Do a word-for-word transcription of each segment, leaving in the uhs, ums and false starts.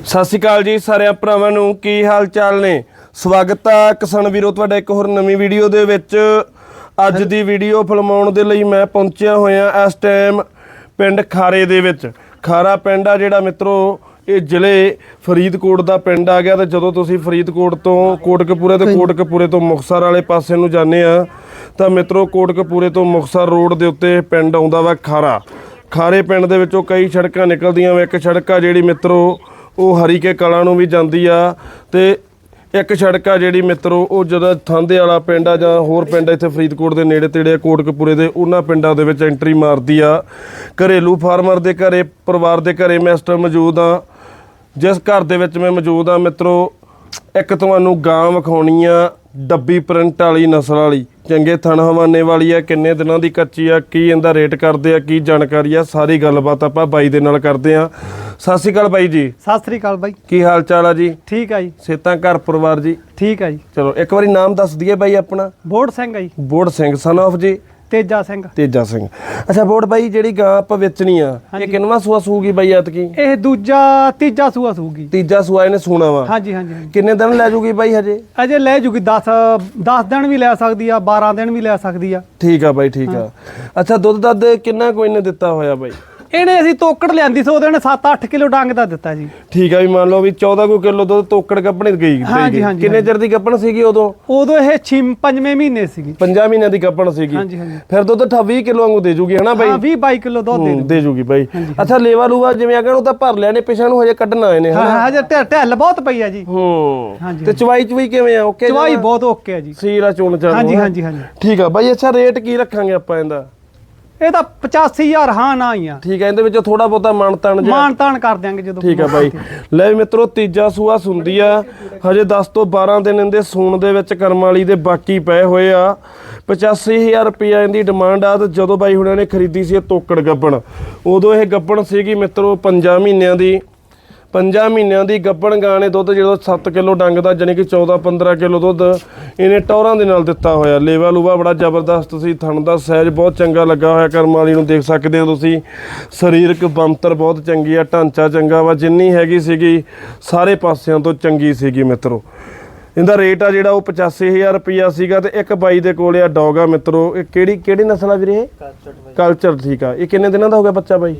ਸਤਿ ਸ਼੍ਰੀ ਅਕਾਲ ਜੀ ਸਾਰਿਆਂ ਭਰਾਵਾਂ ਨੂੰ, ਕੀ ਹਾਲ ਚਾਲ ਨੇ। ਸਵਾਗਤ ਆ ਕਿਸਾਨ ਵੀਰੋ ਤੁਹਾਡਾ ਇੱਕ ਹੋਰ ਨਵੀਂ ਵੀਡੀਓ ਦੇ ਵਿੱਚ। ਅੱਜ ਦੀ ਵੀਡੀਓ ਫਿਲਮਾਉਣ ਦੇ ਲਈ ਮੈਂ ਪਹੁੰਚਿਆ ਹੋਇਆ ਇਸ ਟਾਈਮ ਪਿੰਡ ਖਾਰੇ ਦੇ ਵਿੱਚ। ਖਾਰਾ ਪਿੰਡ ਆ ਜਿਹੜਾ ਮਿੱਤਰੋ, ਇਹ ਜ਼ਿਲ੍ਹੇ ਫਰੀਦਕੋਟ ਦਾ ਪਿੰਡ ਆ ਗਿਆ। ਤੇ ਜਦੋਂ ਤੁਸੀਂ ਫਰੀਦਕੋਟ ਤੋਂ ਕੋਟਕਪੂਰੇ ਤੇ ਕੋਟਕਪੂਰੇ ਤੋਂ ਮੁਕਤਸਰ ਵਾਲੇ ਪਾਸੇ ਨੂੰ ਜਾਂਦੇ ਆ ਤਾਂ ਮਿੱਤਰੋ ਕੋਟਕਪੂਰੇ ਤੋਂ ਮੁਕਤਸਰ ਰੋਡ ਦੇ ਉੱਤੇ ਪਿੰਡ ਆਉਂਦਾ ਵਾ ਖਾਰਾ। ਖਾਰੇ ਪਿੰਡ ਦੇ ਵਿੱਚੋਂ ਕਈ ਸੜਕਾਂ ਨਿਕਲਦੀਆਂ ਵਾ। ਇੱਕ ਸੜਕ ਆ ਜਿਹੜੀ ਮਿੱਤਰੋ ਉਹ ਹਰੀਕੇ ਕਲਾਂ ਨੂੰ ਵੀ ਜਾਂਦੀ ਆ, ਤੇ ਇੱਕ ਸੜਕ ਆ ਜਿਹੜੀ ਮਿੱਤਰੋ ਉਹ ਜਦੋਂ ਥਾਂਦੇ ਵਾਲਾ ਪਿੰਡ ਆ ਜਾਂ ਹੋਰ ਪਿੰਡ ਇੱਥੇ ਫਰੀਦਕੋਟ ਦੇ ਨੇੜੇ ਤੇੜੇ ਕੋਟਕਪੂਰੇ ਦੇ, ਉਹਨਾਂ ਪਿੰਡਾਂ ਦੇ ਵਿੱਚ ਐਂਟਰੀ ਮਾਰਦੀ ਆ। ਘਰੇਲੂ ਫਾਰਮਰ ਦੇ ਘਰੇ, ਪਰਿਵਾਰ ਦੇ ਘਰੇ ਮੈਂ ਇਸ ਟਾਈਮ ਮੌਜੂਦ ਆ। ਜਿਸ ਘਰ ਦੇ ਵਿੱਚ ਮੈਂ ਮੌਜੂਦ ਆ ਮਿੱਤਰੋ, ਇੱਕ ਤੁਹਾਨੂੰ ਗਾਂ ਵਿਖਾਉਣੀ ਆ ਡੱਬੀ ਪ੍ਰਿੰਟ ਵਾਲੀ ਨਸਲ ਵਾਲੀ, ਚੰਗੇ ਥਣ ਹਵਾਨੇ ਵਾਲੀ ਆ। ਕਿੰਨੇ ਦਿਨਾਂ ਦੀ ਕੱਚੀ ਆ, ਕੀ ਇਹਦਾ ਰੇਟ ਕਰਦੇ ਆ, ਕੀ ਜਾਣਕਾਰੀ ਆ, ਸਾਰੀ ਗੱਲਬਾਤ ਆਪਾਂ ਬਾਈ ਦੇ ਨਾਲ ਕਰਦੇ ਆ। ਸਤਿ ਸ਼੍ਰੀ ਅਕਾਲ ਬਾਈ ਜੀ। ਸਤਿ ਸ਼੍ਰੀ ਅਕਾਲ ਬਾਈ, ਕੀ ਹਾਲ ਚਾਲ ਆ ਜੀ? ਠੀਕ ਆ ਜੀ। ਸੇਤਾਂ ਘਰ ਪਰਿਵਾਰ ਜੀ ਠੀਕ ਆ ਜੀ। ਚਲੋ ਇੱਕ ਵਾਰੀ ਨਾਮ ਦੱਸ ਦਈਏ ਬਾਈ ਆਪਣਾ। ਬੋੜ ਸਿੰਘ ਆ ਜੀ। ਬੋੜ ਸਿੰਘ ਸਨ ਆਫ ਜੀ ਤੇਜਾ ਸਿੰਘ। ਤੇਜਾ ਸਿੰਘ। ਅੱਛਾ ਬੋੜ ਬਾਈ, ਜਿਹੜੀ ਗਾਂ ਆਪਾਂ ਵੇਚਣੀ ਆ ਇਹ ਕਿੰਨਵਾਂ ਸੂਆ ਸੂਗੀ ਬਾਈ ਐਤਕੀ? ਇਹ ਦੂਜਾ ਤੀਜਾ ਸੂਆ ਸੂਗੀ। ਤੀਜਾ ਸੂਆ ਇਹਨੇ ਸੂਣਾ ਵਾ। ਹਾਂਜੀ ਹਾਂਜੀ। ਕਿੰਨੇ ਦਿਨ ਲੈ ਜੂਗੀ ਬਾਈ ਹਜੇ? ਅਜੇ ਲੈ ਜੂਗੀ ਦਸ ਦਸ ਦਿਨ ਵੀ ਲੈ ਸਕਦੀ ਆ, ਬਾਰਾਂ ਦਿਨ ਵੀ ਲੈ ਸਕਦੀ ਆ। ਠੀਕ ਆ ਬਾਈ, ਠੀਕ ਆ। ਅੱਛਾ ਦੁੱਧ ਦੱਧ ਕਿੰਨਾ ਕੋਈ ਨੇ ਦਿੱਤਾ ਹੋਇਆ ਬਾਈ? ਇਹਨੇ ਅਸੀਂ ਤੋਕੜ ਲਿਆਂਦੀ ਸੀ, ਉਹਦੇ ਨੇ ਸੱਤ ਅੱਠ ਕਿਲੋ ਡੰਗ ਦਾ ਦਿੱਤਾ ਜੀ। ਠੀਕ ਆ, ਵੀ ਮੰਨ ਲਓ ਵੀ ਚੌਦਾਂ ਕੁ ਕਿਲੋ ਦੁੱਧ ਤੋਕੜ ਕੱਪਣੇ ਗਈ। ਹਾਂਜੀ ਹਾਂਜੀ। ਕਿੰਨੇ ਚਿਰ ਦੀ ਕੱਪਣ ਸੀਗੀ ਉਦੋਂ? ਉਦੋਂ ਇਹ ਛੇ ਪੰਜਵੇਂ ਮਹੀਨੇ ਸੀਗੀ। ਪੰਜਾਂ ਮਹੀਨਿਆਂ ਦੀ ਕੱਪਣ ਸੀਗੀ। ਹਾਂਜੀ ਹਾਂਜੀ। ਫਿਰ ਦੁੱਧ ਵੀਹ ਕਿਲੋ ਵਾਂਗੂ ਦੇ ਜੂਗੀ ਹਨਾ ਬਾਈ? ਹਾਂ ਵੀਹ ਬਾਈ ਕਿਲੋ ਦੁੱਧ ਦੇ ਦੇ ਜੂਗੀ ਬਾਈ। ਅੱਛਾ ਲੇਵਾ ਲੂਵਾ ਜਿਵੇਂ ਅਗਰ ਉਹ ਤਾਂ ਭਰ ਲਿਆ ਨੇ, ਪਿਛਾਂ ਨੂੰ ਹਜੇ ਕੱਢਣਾ ਇਹਨੇ ਹਨਾ? ਹਾਂ ਹਜੇ ਢਿੱਲ ਬਹੁਤ ਪਈ ਆ ਜੀ। ਹੂੰ। ਹਾਂਜੀ। ਤੇ ਚਵਾਈ ਚਵਾਈ ਕਿਵੇਂ ਆ? ਓਕੇ ਚਵਾਈ ਬਹੁਤ ਓਕੇ ਆ ਜੀ। ਸੀਰਾ ਚੋਣ ਚਾਹ। ਹਾਂਜੀ ਹਾਂਜੀ ਹਾਂਜੀ। ਠੀਕ ਆ ਬਾਈ। ਅੱਛਾ ਰੇਟ ਕੀ ਰੱਖਾਂਗੇ ਆਪਾਂ ਇਹਦਾ? ਇਹ ਤਾਂ ਪਚਾਸੀ ਹਜ਼ਾਰ ਹਾਂ ਨਾ ਹੀ ਆ। ਠੀਕ ਆ, ਇਹਦੇ ਵਿੱਚ ਥੋੜਾ ਬਹੁਤਾ ਮਾਨ ਤਾਨ ਜਿਹਾ ਮਾਨ ਤਾਨ ਕਰ ਦਿਆਂਗੇ ਜਦੋਂ। ਠੀਕ ਆ ਬਾਈ। ਲੈ ਵੀ ਮਿੱਤਰੋ, ਤੀਜਾ ਸੂਆ ਸੁੰਦੀ ਆ, ਹਜੇ ਦਸ ਤੋਂ ਬਾਰਾਂ ਦਿਨ ਇਹਦੇ ਸੂਣ ਦੇ ਵਿੱਚ ਕਰਮ ਵਾਲੀ ਦੇ ਬਾਕੀ ਪਏ ਹੋਏ ਆ। ਪਚਾਸੀ ਹਜ਼ਾਰ ਰੁਪਇਆ ਇਹਦੀ ਡਿਮਾਂਡ ਆ। ਤੇ ਜਦੋਂ ਬਾਈ ਹੁਣਾਂ ਨੇ ਖਰੀਦੀ ਸੀ ਇਹ ਤੋਕੜ ਗੱਬਣ, ਉਦੋਂ ਇਹ ਗੱਬਣ ਸੀਗੀ ਮਿੱਤਰੋ ਪੰਜਾਂ ਮਹੀਨਿਆਂ ਦੀ। ਪੰਜਾਂ ਮਹੀਨਿਆਂ ਦੀ ਗੱਬਣ ਗਾਂ ਨੇ ਦੁੱਧ ਜਦੋਂ ਸੱਤ ਕਿਲੋ ਡੰਗ ਦਾ, ਜਾਣੀ ਕਿ ਚੌਦਾਂ ਪੰਦਰਾਂ ਕਿਲੋ ਦੁੱਧ ਇਹਨੇ ਟੌਰਾਂ ਦੇ ਨਾਲ ਦਿੱਤਾ ਹੋਇਆ। ਲੇਵਾ ਲੂਵਾ ਬੜਾ ਜ਼ਬਰਦਸਤ ਸੀ, ਥਣ ਦਾ ਸਾਈਜ਼ ਬਹੁਤ ਚੰਗਾ ਲੱਗਾ ਹੋਇਆ ਕਰਮ ਵਾਲੀ ਨੂੰ, ਦੇਖ ਸਕਦੇ ਹੋ ਤੁਸੀਂ। ਸਰੀਰਕ ਬਣਤਰ ਬਹੁਤ ਚੰਗੀ ਆ, ਢਾਂਚਾ ਚੰਗਾ ਵਾ, ਜਿੰਨੀ ਹੈਗੀ ਸੀਗੀ ਸਾਰੇ ਪਾਸਿਆਂ ਤੋਂ ਚੰਗੀ ਸੀਗੀ ਮਿੱਤਰੋ। ਇਹਦਾ ਰੇਟ ਆ ਜਿਹੜਾ ਉਹ ਪਚਾਸੀ ਹਜ਼ਾਰ ਰੁਪਈਆ ਸੀਗਾ। ਤੇ ਇੱਕ ਬਾਈ ਦੇ ਕੋਲ ਆ ਡੌਗ ਆ ਮਿੱਤਰੋ, ਇਹ ਕਿਹੜੀ ਕਿਹੜੀ ਨਸਲ ਆ ਵੀਰੇ? ਕਲਚਰ। ਠੀਕ ਆ। ਇਹ ਕਿੰਨੇ ਦਿਨਾਂ ਦਾ ਹੋ ਗਿਆ ਬੱਚਾ ਬਾਈ?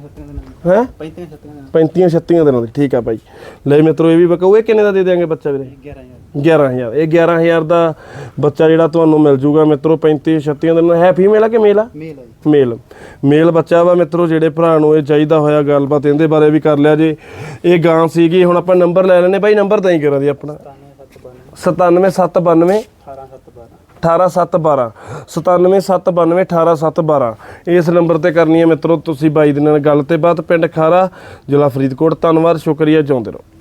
ਹੈ ਪੈਂਤੀਆਂ ਛੱਤੀਆਂ ਦਿਨਾਂ ਦੀ। ਠੀਕ ਆ ਬਾਈ। ਲੈ ਮਿੱਤਰੋ ਇਹ ਵੀ ਬਕਾਊ। ਇਹ ਕਿੰਨੇ ਦਾ ਦੇ ਦਿਆਂਗੇ ਬੱਚਾ ਵੀਰੇ? ਗਿਆਰਾਂ ਹਜ਼ਾਰ। ਇਹ ਗਿਆਰਾਂ ਹਜ਼ਾਰ ਦਾ ਬੱਚਾ ਜਿਹੜਾ ਤੁਹਾਨੂੰ ਮਿਲ ਜੂਗਾ ਮਿੱਤਰੋ, ਪੈਂਤੀ ਛੱਤੀਆਂ ਦਿਨਾਂ। ਹੈ ਫੀਮੇਲ ਆ ਕਿ ਮੇਲ ਆ? ਮੇਲ। ਮੇਲ ਬੱਚਾ ਵਾ ਮਿੱਤਰੋ। ਜਿਹੜੇ ਭਰਾ ਨੂੰ ਇਹ ਚਾਹੀਦਾ ਹੋਇਆ ਗੱਲਬਾਤ ਇਹਦੇ ਬਾਰੇ ਵੀ ਕਰ ਲਿਆ ਜੇ। ਇਹ ਗਾਂ ਸੀਗੀ। ਹੁਣ ਆਪਾਂ ਨੰਬਰ ਲੈ ਲੈਣੇ ਬਾਈ, ਨੰਬਰ ਤਾਂ ਹੀ ਕਰਾਂ ਦੀ ਆਪਣਾ ਸਤਾਨਵੇਂ ਸੱਤ ਬਾਨਵੇਂ ਅਠਾਰਾਂ ਸੱਤ ਬਾਰਾਂ ਸਤਾਨਵੇਂ ਸੱਤ ਬਾਨਵੇਂ ਅਠਾਰਾਂ ਸੱਤ ਬਾਰਾਂ। ਇਸ ਨੰਬਰ ਤੇ ਕਰਨੀ ਹੈ ਮਿੱਤਰੋ ਤੁਸੀਂ ਬਾਈ ਦੇ ਨਾਲ ਗੱਲ। ਤੇ ਬਾਅਦ ਪਿੰਡ ਖਾਰਾ, ਜ਼ਿਲ੍ਹਾ ਫਰੀਦਕੋਟ। ਧੰਨਵਾਦ, ਸ਼ੁਕਰੀਆ, ਜਿਉਂਦੇ ਰਹੋ।